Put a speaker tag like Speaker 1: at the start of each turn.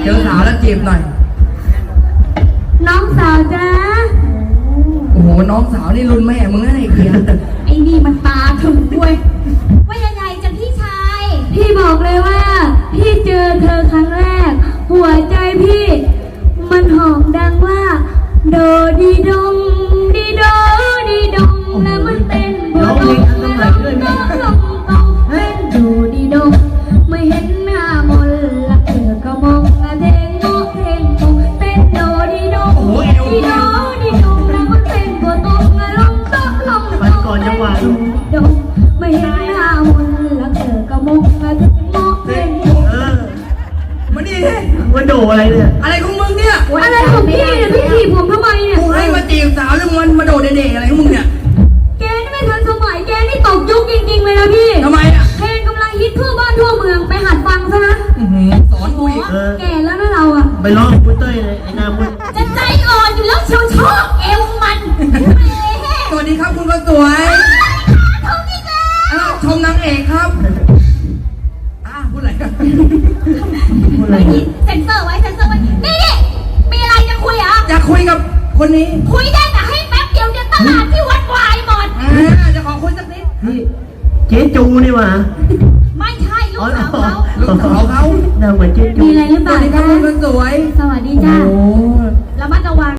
Speaker 1: เจอสาวแล้วจีบหน่อย
Speaker 2: น้องสาวจ้า
Speaker 1: โอ้โหน้องสาวนี่รุ่นแม่มึงนะไอ้เกียร์
Speaker 2: ไอ้นี่มันตาถึงด้วยว่ายังไงจะพี่ชายพี่บอกเลยว่าพี่เจอเธอครั้งแรกหัวใจพี่มันหอมดังว่าโดดีดงดีโดดีดงแล้วมันเต้นบนลงเป็นโดดีดงไม่เห็นหน้ามนละเธอก็มองเทงโมเทงโมเต้นโดดีดงดีโดดีดงแล้วมันเต้นบนลงลงโต๊ะลงโต๊ะเต้นโดดีดงไม่เห็นหน้ามนละเธอก็มองเทงโมเทงโม
Speaker 1: มาดิเฮ้ย
Speaker 3: มันโดอะไรเนี่ย
Speaker 1: อะไรของมึงเนี่ย
Speaker 2: อะไรของพี่เนี่ยพี่ถีบผมทำไมเนี่ย
Speaker 1: กูให้มาจีบสาวแล้วมันมาโดดเด็กๆอะไรของมึงเนี่ย
Speaker 2: แกนี่ไม่ทันสมัยแกนี่ตกยุคจริงๆเลยนะพี่
Speaker 1: ทำไมอ่ะ
Speaker 2: เพลงกำลังฮิตทั่วบ้านทั่วเมืองไปหัดฟังซะนะ
Speaker 1: สอนกูอีก
Speaker 2: แก่แล้วนะเราอ่ะ
Speaker 3: ไปร้องกุ้ยเต้ยเลยไอ้นากุ้ย
Speaker 2: จะใจอ่อนอยู่แล้วเชียวชอบเอวมัน
Speaker 1: สวัสดีครับคุณก็สวย
Speaker 2: ชมอีกแล้ว
Speaker 1: ชมนางเอกครับพูดอะไรกัน
Speaker 3: พูดอะไร
Speaker 2: เซ็นเซอร์ไว้เซ็นเซอร์ไว้นี่มีอะไรจะคุยอ่ะ
Speaker 1: อยากคุยกับคนนี้
Speaker 2: คุยได้แต่ให้แป๊บเดียวจะตลาดที่วัดวายหมด
Speaker 1: จะขอคุยสักนิด
Speaker 3: พี่เจ๊จูนี่หว่า
Speaker 2: ไม่ใช่ลูกสาวเขา
Speaker 1: ลูกสาวเขา
Speaker 3: น่าเหมือนเจ๊จู
Speaker 2: มีอะไรหรือเปล่า
Speaker 1: สวัสดีครับคุณก็สวย
Speaker 2: สวัสดีจ้าระมัดระวัง